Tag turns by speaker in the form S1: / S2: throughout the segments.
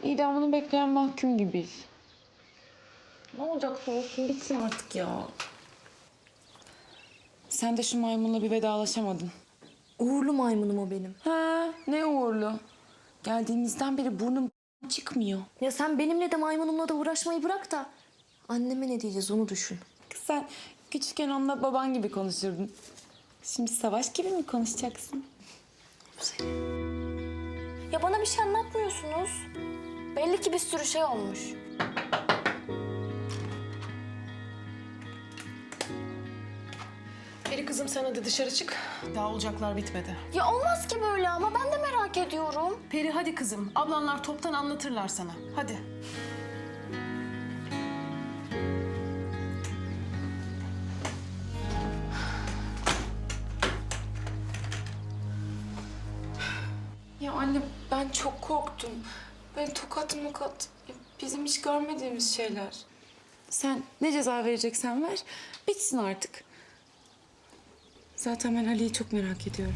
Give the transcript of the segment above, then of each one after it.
S1: İdamını bekleyen mahkum gibiyiz. Ne olacaksa olsun bitsin artık ya. Sen de şu maymunla bir vedalaşamadın.
S2: Uğurlu maymunum o benim.
S1: Ha, ne uğurlu. Geldiğimizden beri burnum çıkmıyor.
S2: Ya sen benimle de maymunumla da uğraşmayı bırak da anneme ne diyeceğiz onu düşün.
S1: Kız sen küçükken onunla baban gibi konuşurdun. Şimdi Savaş gibi mi konuşacaksın?
S2: Ya bana bir şey anlatmıyorsunuz. Belli ki bir sürü şey olmuş.
S3: Peri kızım sen hadi dışarı çık. Daha olacaklar bitmedi.
S2: Ya olmaz ki böyle ama ben de merak ediyorum.
S3: Peri hadi kızım. Ablanlar toptan anlatırlar sana. Hadi.
S1: Ya anne ben çok korktum. Böyle tokat mokat. Bizim hiç görmediğimiz şeyler. Sen ne ceza vereceksen ver. Bitsin artık. Zaten ben Ali'yi çok merak ediyorum.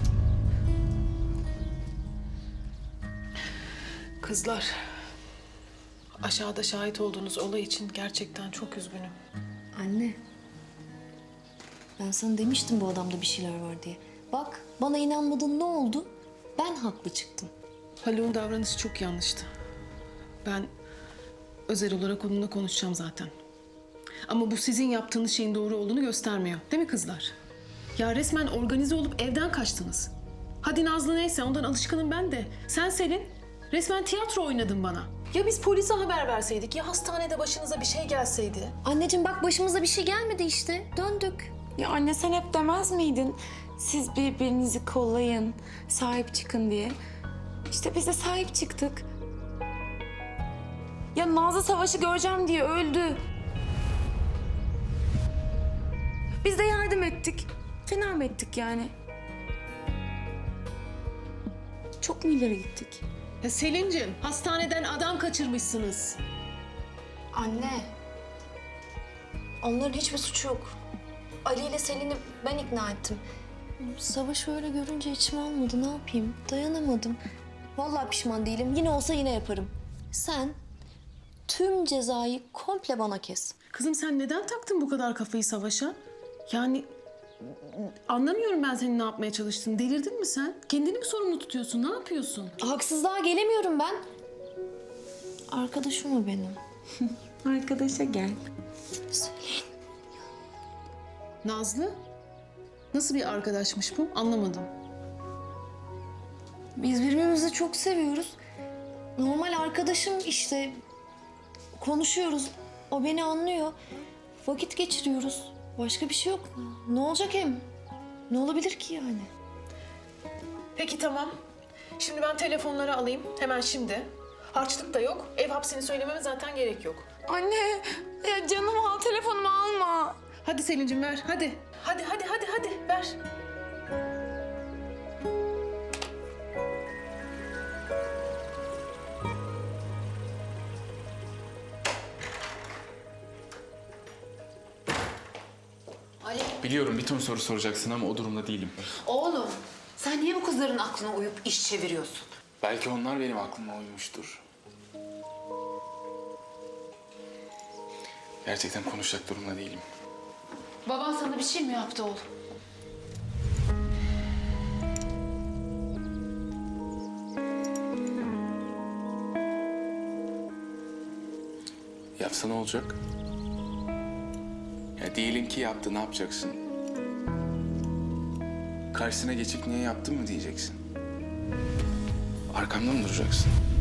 S3: Kızlar. Aşağıda şahit olduğunuz olay için gerçekten çok üzgünüm.
S2: Anne. Ben sana demiştim bu adamda bir şeyler var diye. Bak bana inanmadın ne oldu? Ben haklı çıktım.
S3: Haluk'un davranışı çok yanlıştı. Ben özel olarak onunla konuşacağım zaten. Ama bu sizin yaptığınız şeyin doğru olduğunu göstermiyor. Değil mi kızlar? Ya resmen organize olup evden kaçtınız. Hadi Nazlı neyse ondan alışkınım ben de. Sen Selin resmen tiyatro oynadın bana. Ya biz polise haber verseydik ya hastanede başınıza bir şey gelseydi.
S2: Anneciğim bak başımıza bir şey gelmedi işte. Döndük.
S1: Ya anne sen hep demez miydin? Siz birbirinizi kollayın, sahip çıkın diye. İşte biz de sahip çıktık. Ya Nazlı Savaş'ı göreceğim diye öldü. Biz de yardım ettik. Fena mı ettik yani? Çok mu ileri gittik?
S3: Ya Selin'cim hastaneden adam kaçırmışsınız.
S2: Anne. Onların hiçbir suçu yok. Ali ile Selin'i ben ikna ettim. Savaş öyle görünce içim almadı. Ne yapayım? Dayanamadım. Vallahi pişman değilim. Yine olsa yine yaparım. Sen tüm cezayı komple bana kes.
S3: Kızım sen neden taktın bu kadar kafayı Savaş'a? Yani anlamıyorum ben senin ne yapmaya çalıştığını. Delirdin mi sen? Kendini mi sorumlu tutuyorsun? Ne yapıyorsun?
S2: Haksızlığa gelemiyorum ben. Arkadaşım o benim.
S1: Arkadaşa gel.
S2: Selin.
S3: Nazlı? Nasıl bir arkadaşmış bu? Anlamadım.
S2: Biz birbirimizi çok seviyoruz. Normal arkadaşım işte. Konuşuyoruz. O beni anlıyor. Vakit geçiriyoruz. Başka bir şey yok. Ne olacak hem? Ne olabilir ki yani?
S3: Peki tamam. Şimdi ben telefonları alayım. Hemen şimdi. Harçlık da yok. Ev hapsini söylememe zaten gerek yok.
S1: Anne, ya canım al telefonumu alma.
S3: Hadi Selin'cim ver. Hadi. Hadi. Ver.
S4: Biliyorum bir ton soru soracaksın ama o durumda değilim.
S5: Oğlum, sen niye bu kızların aklına uyup iş çeviriyorsun?
S4: Belki onlar benim aklıma uymuştur. Gerçekten konuşacak durumda değilim.
S5: Baban sana bir şey mi yaptı oğlum?
S4: Yapsa ne olacak? Ya diyelim ki yaptı, ne yapacaksın? Karşısına geçip niye yaptın mı diyeceksin? Arkamda mı duracaksın?